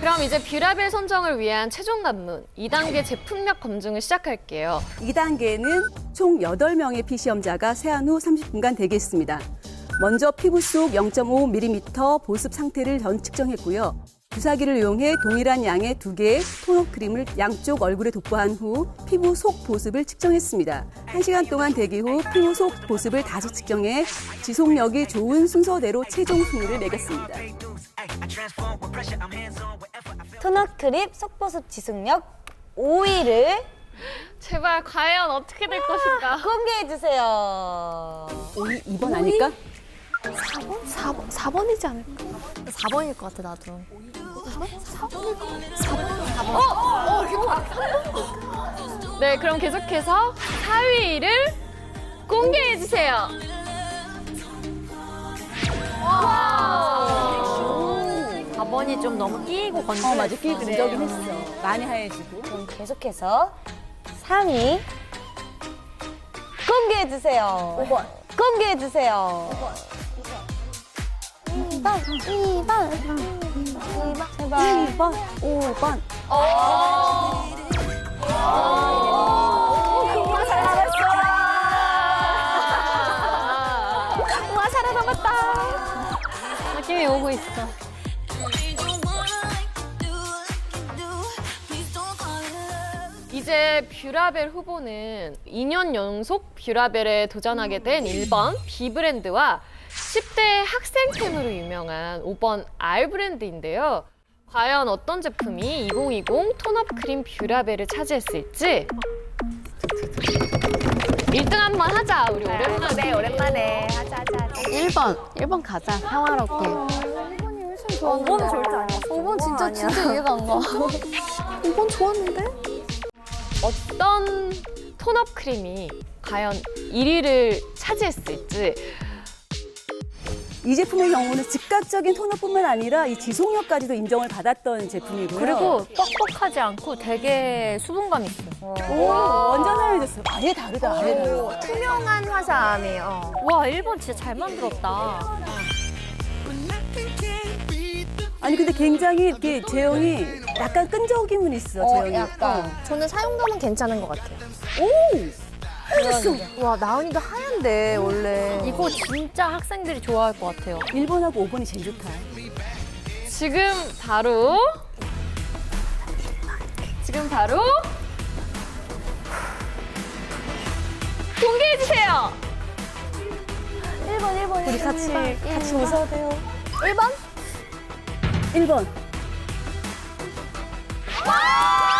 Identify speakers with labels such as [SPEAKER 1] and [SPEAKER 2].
[SPEAKER 1] 그럼 이제 뷰라벨 선정을 위한 최종 관문 2단계 제품력 검증을 시작할게요.
[SPEAKER 2] 2단계는 총 8명의 피시험자가 세안 후 30분간 대기했습니다. 먼저 피부 속 0.5mm 보습 상태를 전 측정했고요. 주사기를 이용해 동일한 양의 2개의 토너 크림을 양쪽 얼굴에 도포한 후 피부 속 보습을 측정했습니다. 1시간 동안 대기 후 피부 속 보습을 다시 측정해 지속력이 좋은 순서대로 최종 순위를 매겼습니다.
[SPEAKER 3] 토너 크림 속보습 지속력 5위를
[SPEAKER 1] 제발 과연 어떻게 될 것인가?
[SPEAKER 3] 공개해주세요.
[SPEAKER 2] 2번 아닐까?
[SPEAKER 4] 4번이지 않을까?
[SPEAKER 5] 4번일 것 같아, 나도.
[SPEAKER 1] 네, 그럼 계속해서 4위를 공개해주세요.
[SPEAKER 5] 4번이 좀 너무 끼고 건조했어.
[SPEAKER 2] 맞아. 끼 근적이긴 했어. 많이 하얘지고.
[SPEAKER 3] 그럼 계속해서 3위 공개해주세요.
[SPEAKER 2] 5번.
[SPEAKER 3] 공개해주세요.
[SPEAKER 4] 2번.
[SPEAKER 3] 제발.
[SPEAKER 2] 2번, 5번.
[SPEAKER 1] 우와, 살아남았다. 느낌이 오고 있어. 이제 뷰라벨 후보는 2년 연속 뷰라벨에 도전하게 된 1번 B브랜드와 10대 학생템으로 유명한 5번 R브랜드인데요. 과연 어떤 제품이 2020 톤업 크림 뷰라벨을 차지했을지 1등 한번 하자, 우리 오랜만에.
[SPEAKER 3] 네, 오랜만에. 하자.
[SPEAKER 4] 1번 가자. 평화롭게.
[SPEAKER 3] 5번은 절대 아니야.
[SPEAKER 4] 5번 진짜 이해가 안 가. 5번 좋았는데?
[SPEAKER 1] 어떤 톤업 크림이 과연 1위를 차지했을지.
[SPEAKER 2] 이 제품의 경우는 즉각적인 토너뿐만 아니라 이 지속력까지도 인정을 받았던 제품이고요.
[SPEAKER 5] 그리고 뻑뻑하지 않고 되게 수분감 있어.
[SPEAKER 2] 오, 완전 하얘졌어요. 아예 다르다, 아예 다르다.
[SPEAKER 3] 투명한 화사함이에요.
[SPEAKER 5] 와, 1번 진짜 잘 만들었다.
[SPEAKER 2] 아니 근데 굉장히 이렇게 제형이 약간 끈적임은 있어, 제형이.
[SPEAKER 3] 약간.
[SPEAKER 4] 저는 사용감은 괜찮은 것 같아요.
[SPEAKER 2] 하얘졌어.
[SPEAKER 3] 와, 나은이도 하얀데, 원래.
[SPEAKER 5] 이거 진짜 학생들이 좋아할 것 같아요.
[SPEAKER 2] 1번하고 5번이 제일 좋다.
[SPEAKER 1] 지금 바로 공개해주세요.
[SPEAKER 3] 1번.
[SPEAKER 2] 우리 같이 웃어도 돼요.
[SPEAKER 3] 1번?
[SPEAKER 2] 1번.
[SPEAKER 1] 와!